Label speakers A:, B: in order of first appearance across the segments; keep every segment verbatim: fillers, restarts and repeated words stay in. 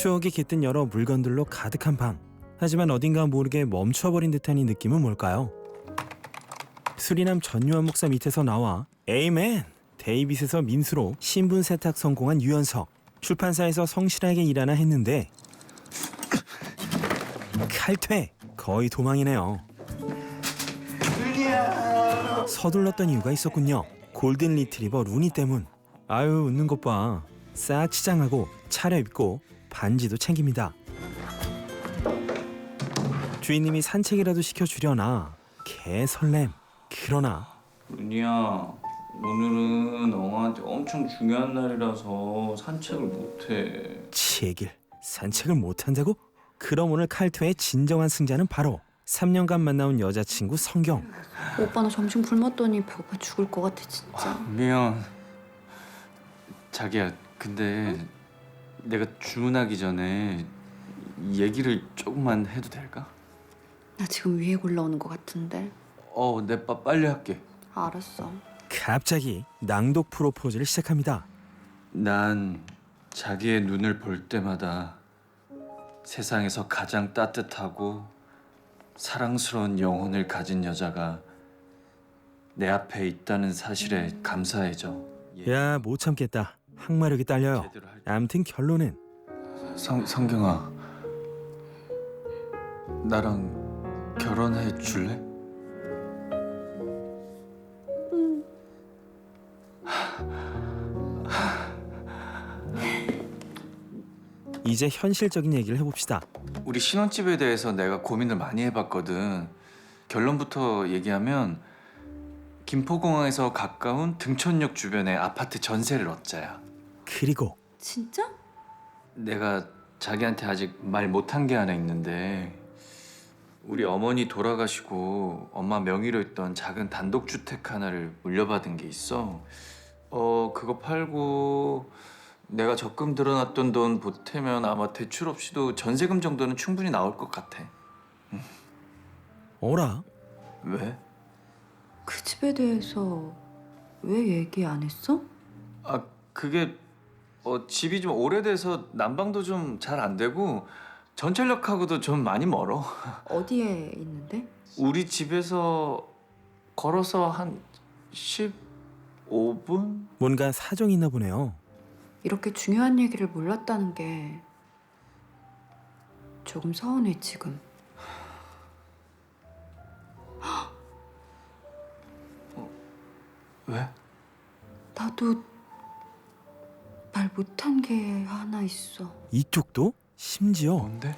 A: 추억이 깃든 여러 물건들로 가득한 방. 하지만 어딘가 모르게 멈춰버린 듯한 이 느낌은 뭘까요? 수리남 전유한 목사 밑에서 나와 에이맨! 데이빗에서 민수로 신분 세탁 성공한 유연석. 출판사에서 성실하게 일하나 했는데 칼퇴! 거의 도망이네요. 서둘렀던 이유가 있었군요. 골든 리트리버 루니 때문. 아유 웃는 것 봐. 싹 치장하고 차려입고 반지도 챙깁니다. 주인님이 산책이라도 시켜주려나 개 설렘. 그러나
B: 루니야, 오늘은 엉아한테 엄청 중요한 날이라서 산책을 못해.
A: 치길 산책을 못한다고? 그럼 오늘 칼퇴의 진정한 승자는 바로 삼 년간 만나온 여자친구 성경.
C: 오빠 나 점심 굶었더니 배고파 죽을 것 같아 진짜.
B: 아, 미안. 자기야, 근데 응? 내가 주문하기 전에 얘기를 조금만 해도 될까?
C: 나 지금 위에 올라오는 것 같은데.
B: 어, 내 빠 빨리 할게.
C: 알았어.
A: 갑자기 낭독 프로포즈를 시작합니다.
B: 난 자기의 눈을 볼 때마다 세상에서 가장 따뜻하고 사랑스러운 영혼을 가진 여자가 내 앞에 있다는 사실에 감사해져.
A: 야 못 참겠다. 항마력이 딸려요. 암튼 결론은
B: 성, 성경아, 나랑 결혼해 줄래?
C: 응.
A: 이제 현실적인 얘기를 해봅시다.
B: 우리 신혼집에 대해서 내가 고민을 많이 해봤거든. 결론부터 얘기하면 김포공항에서 가까운 등촌역 주변에 아파트 전세를 얻자야.
A: 그리고
C: 진짜?
B: 내가 자기한테 아직 말 못한 게 하나 있는데 우리 어머니 돌아가시고 엄마 명의로 있던 작은 단독주택 하나를 물려받은 게 있어. 어 그거 팔고 내가 적금 들어놨던 돈 보태면 아마 대출 없이도 전세금 정도는 충분히 나올 것 같아.
A: 어라?
B: 왜?
C: 그 집에 대해서 왜 얘기 안 했어?
B: 아 그게 어, 집이 좀 오래돼서 난방도 좀 잘 안 되고 전철역하고도 좀 많이 멀어.
C: 어디에 있는데?
B: 우리 집에서 걸어서 한 십오 분?
A: 뭔가 사정이 있나 보네요.
C: 이렇게 중요한 얘기를 몰랐다는 게 조금 서운해 지금.
B: 어, 왜?
C: 나도 말 못한 게 하나 있어.
A: 이쪽도? 심지어
B: 뭔데?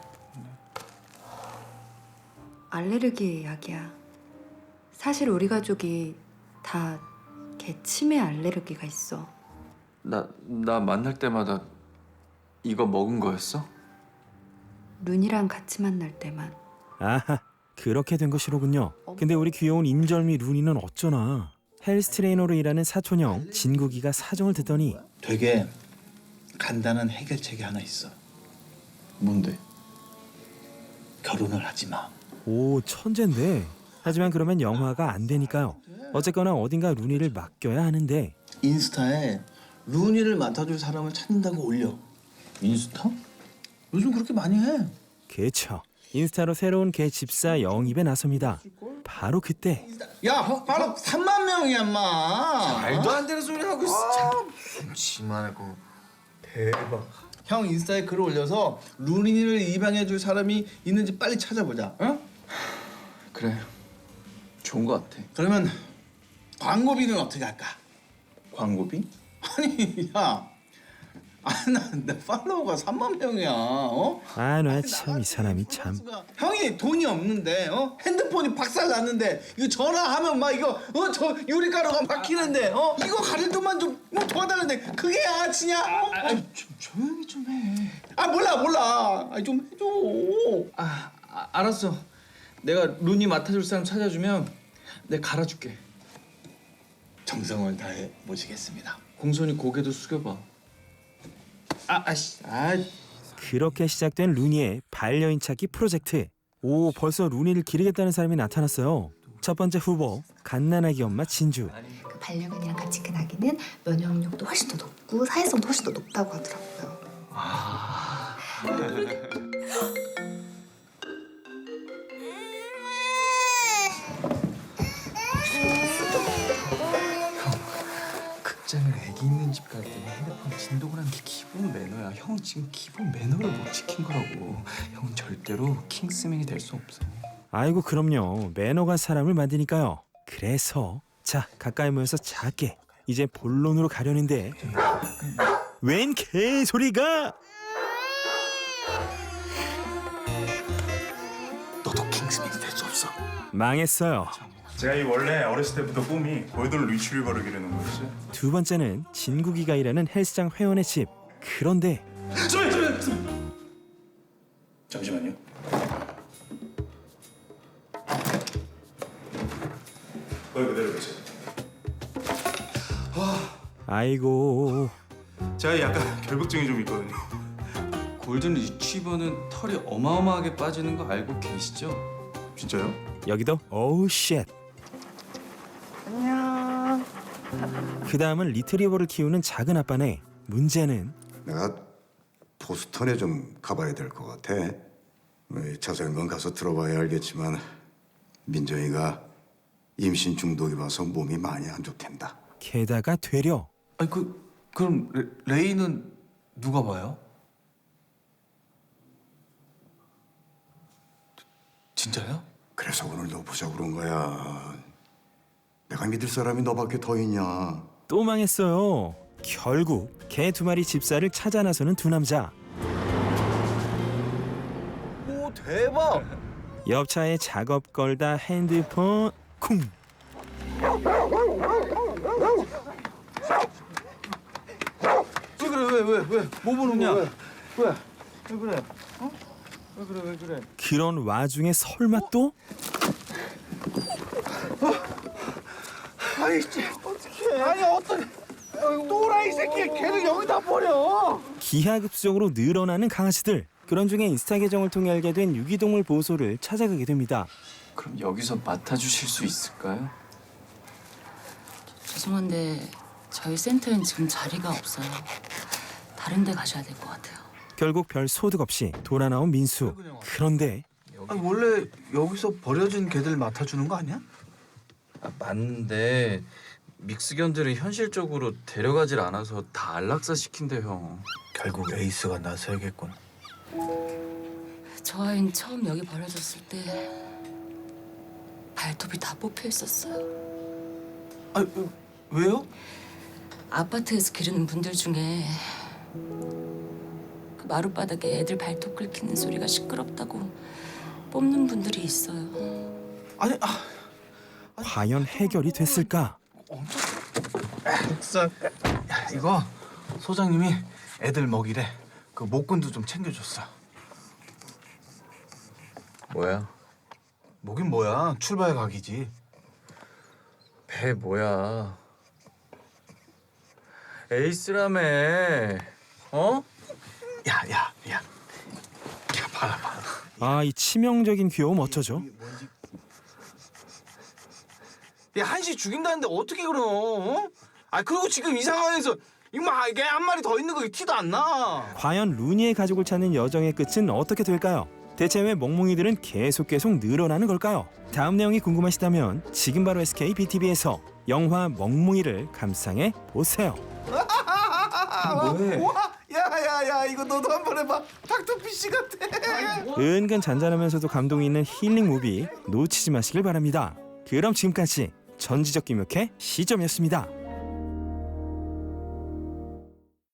C: 알레르기 약이야. 사실 우리 가족이 다 개 치매 알레르기가 있어.
B: 나, 나 만날 때마다 이거 먹은 거였어?
C: 룬이랑 같이 만날 때만.
A: 아하 그렇게 된 것이로군요. 근데 우리 귀여운 임절미 루니는 어쩌나. 헬스 트레이너로 일하는 사촌형 진국이가 사정을 듣더니
D: 되게 간단한 해결책이 하나 있어.
B: 뭔데?
D: 결혼을 하지 마.
A: 오 천재인데. 하지만 그러면 영화가 안 되니까요. 어쨌거나 어딘가 루니를 맡겨야 하는데
D: 인스타에 루니를 맡아줄 사람을 찾는다고 올려. 인스타? 요즘 그렇게 많이 해.
A: 그쵸. 인스타로 새로운 개 집사 영입에 나섭니다. 바로 그때
D: 야, 바로 삼만 명이야, 인마.
E: 말도 안 되는 소리 하고 있어. 무슨 지만하고 대박.
D: 형 인스타에 글을 올려서 루니를 입양해줄 사람이 있는지 빨리 찾아보자. 어?
B: 그래, 좋은 거 같아.
D: 그러면 광고비는 어떻게 할까?
B: 광고비?
D: 아니, 야, 아, 나, 내 팔로워가 삼만 명이야. 어?
A: 아 나 참 이 사람이 참.
D: 형이 돈이 없는데, 어? 핸드폰이 박살 났는데 이거 전화하면 막 이거 어 저 유리가루가 막히는데, 어? 이거 가릴 돈만 좀 뭐 도와달라는데 그게 양아치냐? 어? 아, 좀 조용히 좀 해. 아 몰라 몰라. 아, 좀 해줘.
E: 아, 아 알았어. 내가 루니 맡아줄 사람 찾아주면 내가 갈아줄게.
D: 정성을 다해 모시겠습니다.
E: 공손히 고개도 숙여봐. 아, 아씨, 아,
A: 그렇게 시작된 루니의 반려인 찾기 프로젝트. 오 벌써 루니를 기르겠다는 사람이 나타났어요. 첫 번째 후보 갓난아기 엄마 진주.
F: 그 반려견이랑 같이 큰 아기는 면역력도 훨씬 더 높고 사회성도 훨씬 더 높다고 하더라고요.
E: 아,
B: 극장을 애기 있는 집 갈 때는 핸드폰 진동을 하는 게 기본 매너야. 형 지금 기본 매너를 못 지킨 거라고. 형은 절대로 킹스맨이 될 수 없어.
A: 아이고 그럼요. 매너가 사람을 만드니까요. 그래서 자 가까이 모여서 작게 이제 본론으로 가려는데 웬 개소리가?
D: 너도 킹스맨이 될 수 없어.
A: 망했어요.
G: 제가 이 원래 어렸을 때부터 꿈이 골든 리트리버를 기르는 거였어요.
A: 두 번째는 진국이가 일하는 헬스장 회원의 집. 그런데
G: 잠시만요, 잠시만요. 잠시만요. 거기 그대로 계세요.
A: 아이고
G: 제가 약간 결벽증이 좀 있거든요.
B: 골든 리트리버는 털이 어마어마하게 빠지는 거 알고 계시죠?
G: 진짜요?
A: 여기도 오우 쉣. 안녕. 그 다음은 리트리버를 키우는 작은 아빠네. 문제는
H: 내가 보스턴에 좀 가봐야 될 것 같아. 뭐, 자세한 건 가서 들어봐야 알겠지만 민정이가 임신 중독이 와서 몸이 많이 안 좋댄다.
A: 게다가 되려
E: 아니 그 그럼 레, 레이는 누가 봐요? 진짜요?
H: 그래서 오늘 너 보자고 그런 거야. 내가 믿을 사람이 너밖에 더 있냐.
A: 또 망했어요. 결국 개 두 마리 집사를 찾아 나서는 두 남자.
D: 오 대박.
A: 옆차에 작업 걸다 핸드폰 쿵.
D: 왜 그래 왜 왜 왜? 뭐 보느냐? 왜? 왜? 왜 그래? 어? 왜 그래 왜 그래?
A: 그런 와중에 설마 또?
D: 아이 씨 어떡해. 아니 어떤 또라이 새끼 걔를 여기다 버려.
A: 기하급수적으로 늘어나는 강아지들. 그런 중에 인스타 계정을 통해 알게 된 유기동물 보호소를 찾아가게 됩니다.
B: 그럼 여기서 맡아주실 수 있을까요?
I: 죄송한데 저희 센터엔 지금 자리가 없어요. 다른 데 가셔야 될 것 같아요.
A: 결국 별 소득 없이 돌아 나온 민수. 그런데
D: 아니 원래 여기서 버려진 개들 맡아주는 거 아니야?
B: 아, 맞는데 믹스견들은 현실적으로 데려가질 않아서 다 안락사 시킨대 형.
D: 결국 에이스가 나서야겠군.
I: 저 아이는 처음 여기 버려졌을 때 발톱이 다 뽑혀 있었어요.
D: 아니 왜요?
I: 아파트에서 기르는 분들 중에 그 마룻바닥에 애들 발톱 긁히는 소리가 시끄럽다고 뽑는 분들이 있어요.
D: 아니 아
A: 과연 해결이 됐을까?
D: 국산. 야 이거 소장님이 애들 먹이래. 그 목건도 좀 챙겨줬어.
B: 뭐야?
D: 뭐긴 뭐야. 출발 각이지.
B: 배 뭐야? 에이스라며. 어?
D: 야야 야. 야 봐라 봐라.
A: 아, 이 치명적인 귀여움 어쩌죠?
D: 야 한시 죽인다는데 어떻게 그럼? 어? 아 그리고 지금 이 상황에서 이거 이게 한 마리 더 있는 거 티도 안 나.
A: 과연 루니의 가족을 찾는 여정의 끝은 어떻게 될까요? 대체 왜 멍멍이들은 계속 계속 늘어나는 걸까요? 다음 내용이 궁금하시다면 지금 바로 에스케이 비티비에서 영화 멍멍이를 감상해 보세요.
B: 뭐해?
D: 와, 야야야 이거 너도 한번 해봐. 닥터피쉬 같아.
A: 은근 잔잔하면서도 감동이 있는 힐링 무비 놓치지 마시길 바랍니다. 그럼 지금까지 전지적 김혁의 시점이었습니다.